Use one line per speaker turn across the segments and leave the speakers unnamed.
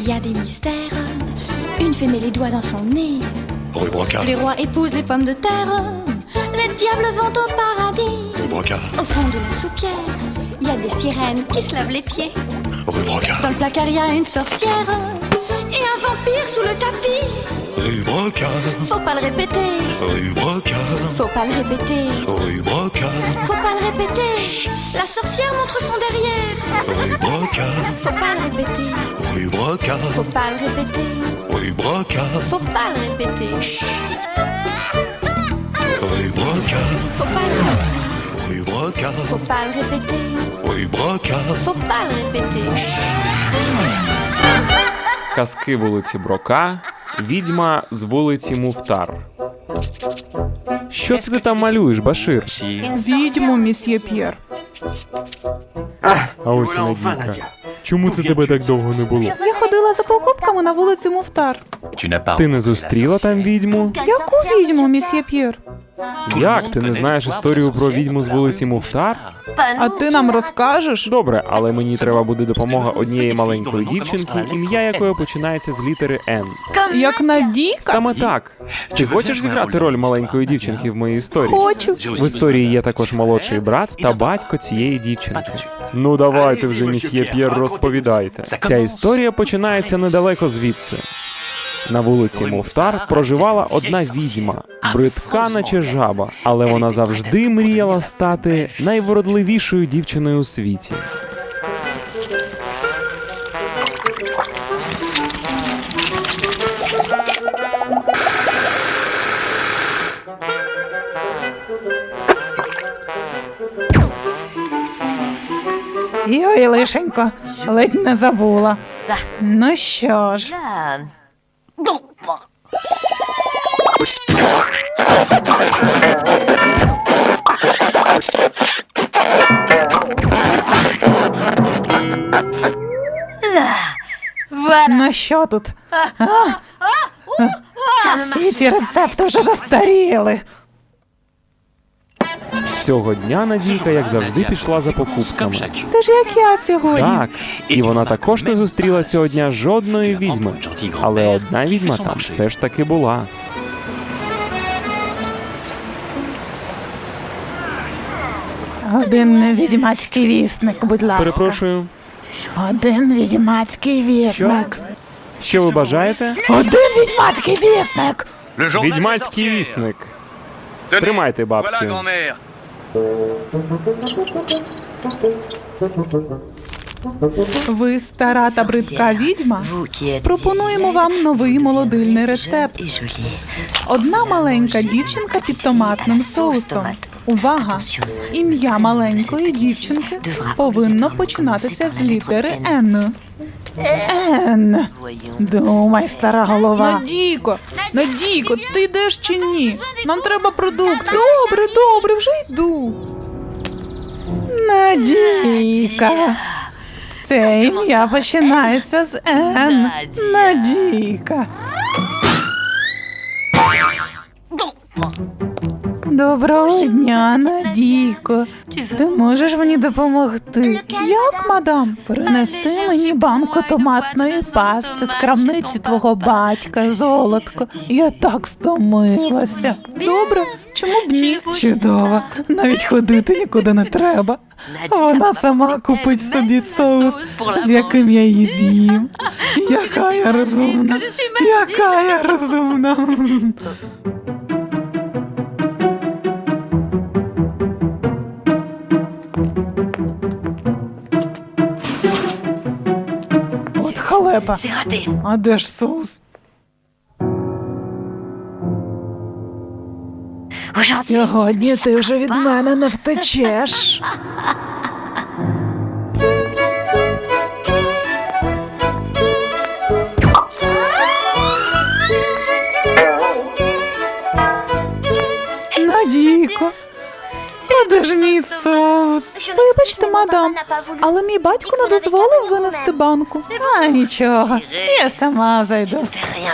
Il y a des mystères. Une fée met les doigts dans son nez.
Rue Brocard.
Les rois épousent les pommes de terre. Les diables vont au paradis.
Rue Brocard.
Au fond de la soupière, il y a des sirènes qui se lavent les pieds.
Rue Brocard.
Dans le placard, il y a une sorcière. Et un vampire sous le tapis.
Rue Brocard.
Faut pas le répéter.
Rue Brocard.
Faut pas le répéter.
Rue Brocard.
Faut pas le répéter. La sorcière montre son derrière.
Rue Brocard.
Faut pas le répéter.
Rue Brocard.
Faut pas le répéter.
Rue Brocard.
Faut pas le répéter.
Rue Brocard.
Faut pas le répéter.
Rue Brocard.
Faut pas le répéter.
Rue Brocard.
Faut pas le répéter.
Казки вулиці Брока, відьма з вулиці Муфтар. Що це ти там малюєш, Башир?
Відьму, місьє П'єр.
А ось і Надійка. Чому це тебе так довго не було?
Я ходила за покупками на вулицю Муфтар.
Ти не зустріла там відьму?
Яку відьму, місьє П'єр?
Як? Ти не знаєш історію про відьму з вулиці Муфтар?
А ти нам розкажеш?
Добре, але мені треба буде допомога однієї маленької дівчинки, ім'я якої починається з літери «Н».
Як Надійка?
Саме так. Ти хочеш зіграти роль маленької дівчинки в моїй історії?
Хочу.
В історії є також молодший брат та батько цієї дівчинки. Ну давайте вже, місьє П'єр, розповідайте. Ця історія починається недалеко звідси. На вулиці Муфтар проживала одна відьма, бридка наче жаба, але вона завжди мріяла стати найвродливішою дівчиною у світі.
Йой, лишенько, ледь не забула. Ну що ж. Ну що тут? Всі ці рецепти вже застаріли.
Цього дня Надійка, як завжди, пішла за покупками.
Це ж як я сьогодні.
Так, і вона також не зустріла цього дня жодної відьми. Але одна відьма там все ж таки була.
Один відьмацький вісник, будь ласка.
Перепрошую,
Один відьмацький вісник.
що ви бажаєте?
Один відьмацький вісник.
Відьмацький вісник. Тримайте, бабцю.
Ви стара та бридка відьма? Пропонуємо вам новий молодильний рецепт. Одна маленька дівчинка під томатним соусом. Увага! Ім'я маленької дівчинки повинно починатися з літери «Н». «Н». Думай, стара голова. Надійко, ти йдеш чи ні? Нам треба продукти. Добре, вже йду. Надійка. Це ім'я починається з «Н». Надійка. Доброго дня, Надійко. Ти можеш мені допомогти? Як, мадам? Принеси мені банку томатної пасти з крамниці твого батька, золотко. Я так стомилася. Добре, чому б ні? Чудово, навіть ходити нікуди не треба. Вона сама купить собі соус, з яким я її з'їм. Яка я розумна, яка я розумна. От халепа. А де ж соус? Сьогодні ти вже від мене не втечеш. Надійко, а де ж мій соус? Вибачте, мадам, але мій батько не дозволив винести банку. А нічого, я сама зайду.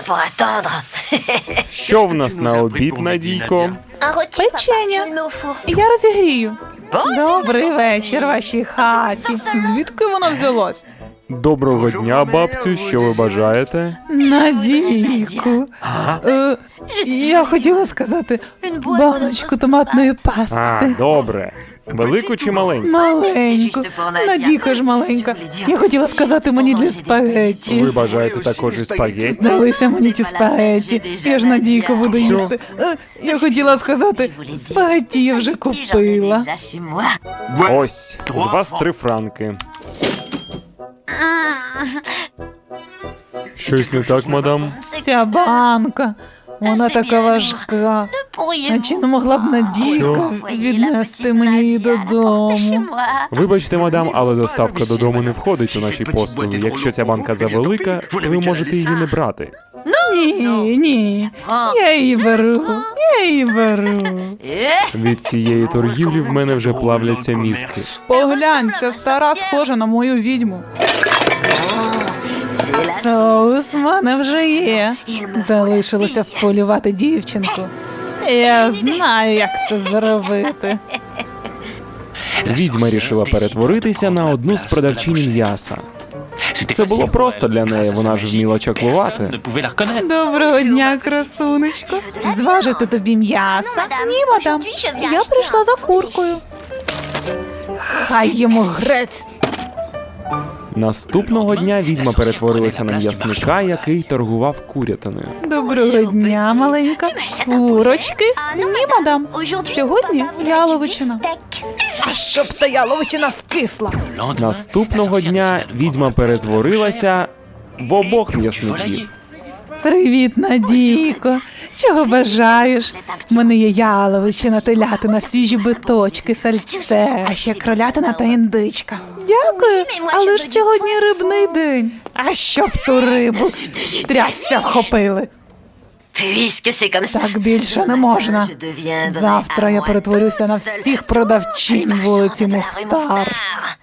Що в нас на обід, Надійко?
Печення. Я розігрію. Добрий вечір вашій хаті. Звідки вона взялась?
Доброго дня, бабцю, що ви бажаєте?
Надійку. Я хотіла сказати баночку томатної пасти.
Добре. Велику чи маленьку?
Маленьку. Надійка ж маленька. Я хотіла сказати мені для спагетті.
Ви бажаєте також і спагетті?
Здалися мені ті спагетті. Я ж Надійку буду їсти. Я хотіла сказати, спагетті я вже купила.
Ось, з вас 3 франки. Щось не так, мадам?
Ця банка, вона така важка. А чи не могла б Надійка віднести мені її додому?
Вибачте, мадам, але доставка додому не входить у наші послуги. Якщо ця банка завелика, ви можете її не брати.
Ні, я її беру.
Від цієї торгівлі в мене вже плавляться мізки.
Поглянь, ця стара схожа на мою відьму. Соус в мене вже є. Залишилося вполювати дівчинку. Я знаю, як це зробити.
Відьма рішила перетворитися на одну з продавчинь м'яса. Це було просто для неї, вона ж вміла чаклувати.
Доброго дня, красунечко. Зважити тобі м'яса? Ні, мадам. Я прийшла за куркою. Хай йому грець.
Наступного дня відьма перетворилася на м'ясника, який торгував курятиною.
Доброго дня, маленька. Курочки? Ні, мадам. Сьогодні яловичина. А щоб та яловичина скисла.
Наступного дня відьма перетворилася в обох м'ясників.
Привіт, Надійко. Чого бажаєш? У мене є яловичина, телятина, свіжі биточки, сальце, а ще кролятина та індичка. Дякую, але ж сьогодні рибний день. А щоб ту рибу трясся вхопили. Так більше не можна. Завтра я перетворюся на всіх продавчинь вулиці Муфтар.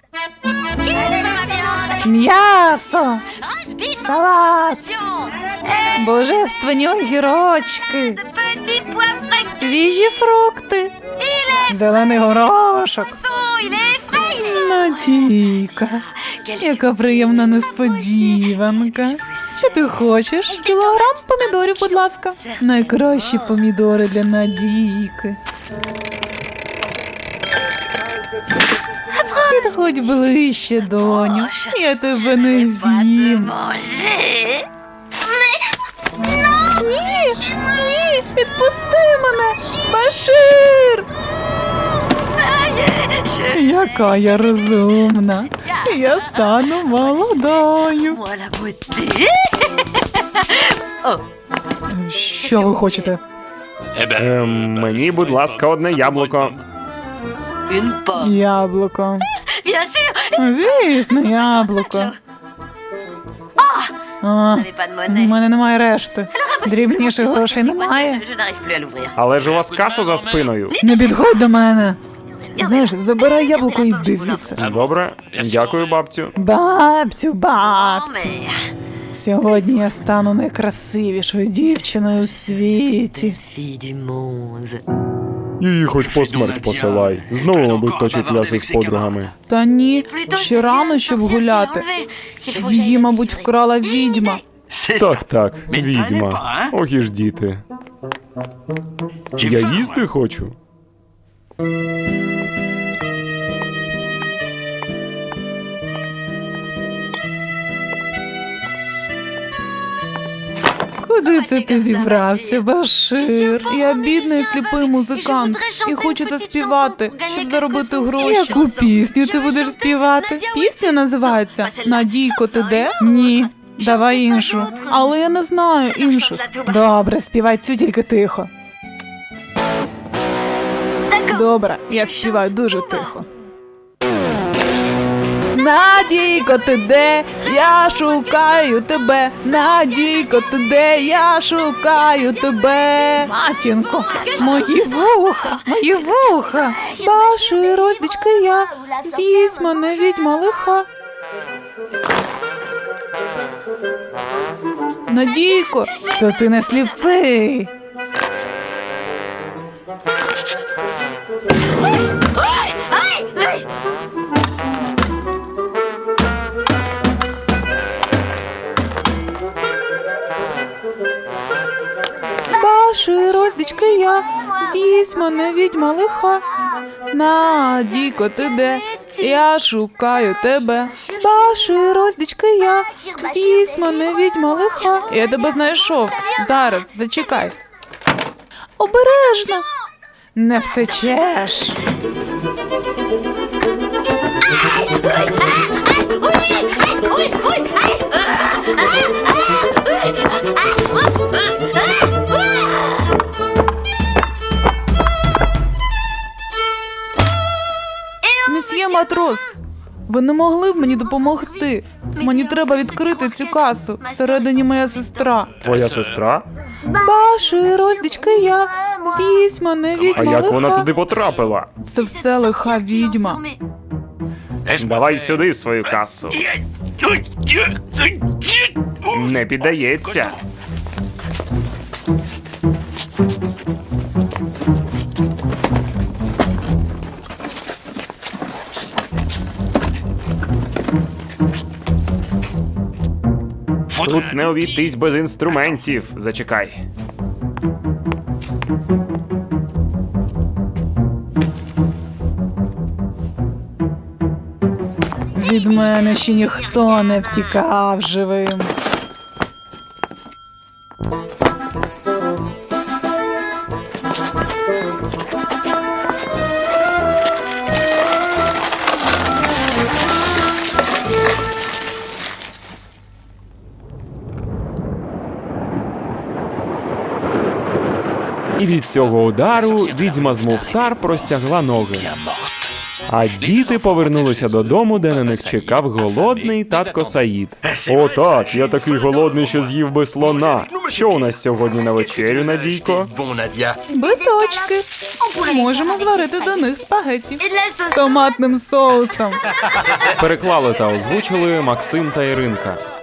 М'ясо, салат, божественні огірочки, свіжі фрукти, зелений горошок. Надійка, яка приємна несподіванка. Що ти хочеш? Кілограм помідорів, будь ласка. Найкращі помідори для Надійки. Підходь ближче, доню. Я тебе не з'їм. Ні, відпусти мене, Башир! Яка я розумна. Я стану молодою. Що ви хочете?
Мені, будь ласка, одне яблуко.
Яблуко. Звісно, яблуко. У мене немає решти. Дрібніших грошей немає.
Але ж у вас каса за спиною.
Не підходь до мене. Знаєш, забирай яблуко і йди звідси.
Добре, дякую, бабцю.
Бабцю. Сьогодні я стану найкрасивішою дівчиною у світі.
Її хоч по смерть посилай. Знову, мабуть, точить ляси з подругами.
Та ні, ще рано, щоб гуляти. Її, мабуть, вкрала відьма.
Так, відьма. Ох і ж діти. Я їсти хочу.
Куди це ти зібрався, Башир? Я бідний сліпий музикант і хочу заспівати, щоб заробити гроші. Яку пісню ти будеш співати? Пісня називається «Надійко, ти де?» Ні, давай іншу. Але я не знаю інших. Добре, співай цю, тільки тихо. Добре, я співаю дуже тихо. Надійко, ти де? Я шукаю тебе. Надійко, ти де? Я шукаю тебе. Матінко, мої вуха. Башир, роздічки я. З'їсть мене відьма лиха. Надійко, то ти не сліпий. Баши, роздічки я, з'їсть мене відьма лиха. Надійко, ти де? Я шукаю тебе. Баши, роздічки я, з'їсть мене відьма лиха. Я тебе знайшов. Зараз, зачекай. Обережно. Не втечеш. Месьє матрос, ви не могли б мені допомогти? Мені треба відкрити цю касу. Всередині моя сестра.
Твоя сестра?
Баши, роздічки я, з'їсть мене відьма
А як
лиха.
вона туди потрапила?
Це все лиха відьма.
Давай сюди свою касу. Не піддається. Тут не обійтись без інструментів. Зачекай.
Від мене ще ніхто не втікав живим.
І від цього удару відьма з Муфтар простягла ноги. А діти повернулися додому, де на них чекав голодний татко Саїд. О, так, я такий голодний, що з'їв би слона. Що у нас сьогодні на вечерю, Надійко?
Биточки. Можемо зварити до них спагетті з томатним соусом.
Переклали та озвучили Максим та Іринка.